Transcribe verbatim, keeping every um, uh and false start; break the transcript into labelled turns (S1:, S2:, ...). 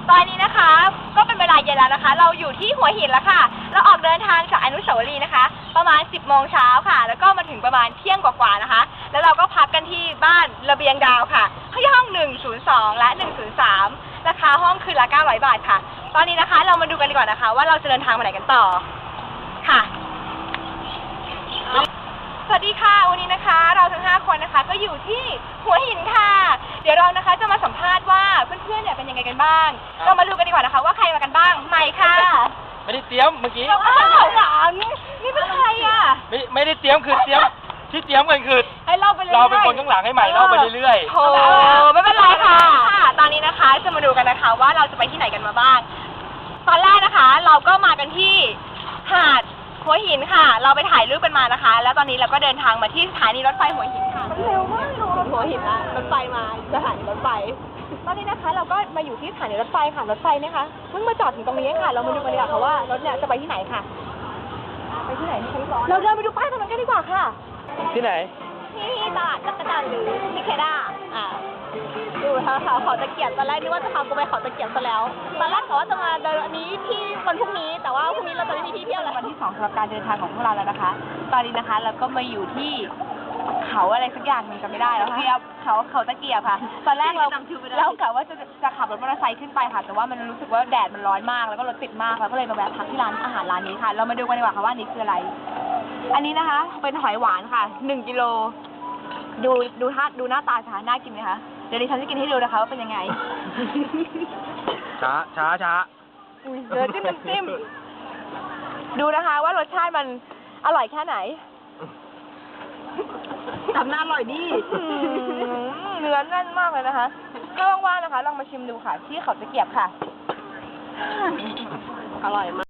S1: ตอนนี้นะคะก็เป็นเวลาเย็นแล้วนะคะ เราอยู่ที่หัวหินแล้วค่ะเราออกเดินทางจากอนุสาวรีย์นะคะประมาณสิบโมงเช้าค่ะแล้วก็มาถึงประมาณเที่ยงกว่าๆนะคะแล้วเราก็พักกันที่บ้านระเบียงดาวค่ะที่ห้องหนึ่งศูนย์สองและหนึ่งศูนย์สามราคาห้องคืนละเก้าร้อยบาทค่ะตอนนี้นะคะเรามาดูกันดีกว่านะคะว่าเราจะเดินทางไปไหนกันต่อค่ะสวัสดีค่ะวันนี้นะคะเราทั้งห้าคนนะคะก็อยู่ที่หัวหินค่ะเดี๋ยวเรานะคะจะมาสัมภาษณ์ว่าเพื่อนๆเนี่ยเป็นยังไงกันบ้างเรามาดูกันดีกว่านะคะว่าใครมากันบ้างใหม่ค่ะ
S2: ไม่ได้เตรียมเมื่อกี้
S1: อ้าวหลังนี่เป็นใครอ่ะ
S2: ไม่ไม่ได้เตรียมคือเตรียมที่เตรียมกันคือ
S1: ให้เราไปเรื่อย
S2: เราเป็นคนข้างหลังให้ใหม่เล่าไปเรื่อย
S1: ๆโธ่ไม่เป็นไรค่ะตอนนี้นะคะจะมาดูกันนะคะว่าเราจะไปที่ไหนกันมาบ้างตอนแรกนะคะเราก็มากันที่หาดหัวหินค่ะเราไปถ่ายรูปกันมานะคะแล้วตอนนี้เราก็เดินทางมาที่สถานีรถไฟหัวหินค่ะเร็วมากเลยหัวหินนะรถไฟมาสถานีรถไฟตอนนี้นะคะเราก็มาอยู่ที่สถานีรถไฟค่ะรถไฟเนี่ยค่ะเพิ่งมาจอดถึงตรงนี้ค่ะเรามาดูกันดีกว่าค่ะว่ารถเนี่ยจะไปที่ไหนค่ะไปที่ไหนที่ร้อนเราเดินไปดูป้ายตรงนั้นกันดีกว่าค่ะ
S2: ที่ไหน
S1: ที่ตลาดจักรจันทร์หรือที่เคด้าอ่าดูค่ะค่ะเขาตะเกียบตอนแรกนึกว่าจะพากูไปเขาตะเกียบซะแล้วตอนแรกเขาว่าจะมาเดินอันนี้ที่วันพรุ่งนี้แต่ว่าพรุ่งนี้เราจะไม่มีที่เที่ยวแล้ววันที่สองสำหรับการเดินทางของพวกเราแล้วนะคะตอนนี้นะคะเราก็มาอยู่ที่เขาอะไรสักอย่างนึงจำไม่ได้แล้วค่ะเขาเขาตะเกียบค่ะตอนแรกเราเรากะว่าจะจะขับรถมอเตอร์ไซค์ขึ้นไปค่ะแต่ว่ามันรู้สึกว่าแดดมันร้อนมากแล้วก็รถติดมากเราก็เลยมาแวะพักที่ร้านอาหารร้านนี้ค่ะเรามาดูกันดีกว่าค่ะว่านี่คืออะไรอันนี้นะคะเป็นหอยหวานค่ะหนึ่งกิโลดูดูท่าดูหน้าตาช้าน่ากินไหมคะเดี๋ยวดิฉันจะกินให้ดูนะคะว่าเป็นยังไง
S2: ช้าช้าช้า
S1: เดี๋ยวจิ้มน้ำจิ้มดูนะคะว่ารสชาติมันอร่อยแค่ไหนทำหน้าอร่อยดิเนื้อแน่นมากเลยนะคะถ้าว่างๆนะคะลองมาชิมดูค่ะที่เขาตะเกียบค่ะอร่อยมาก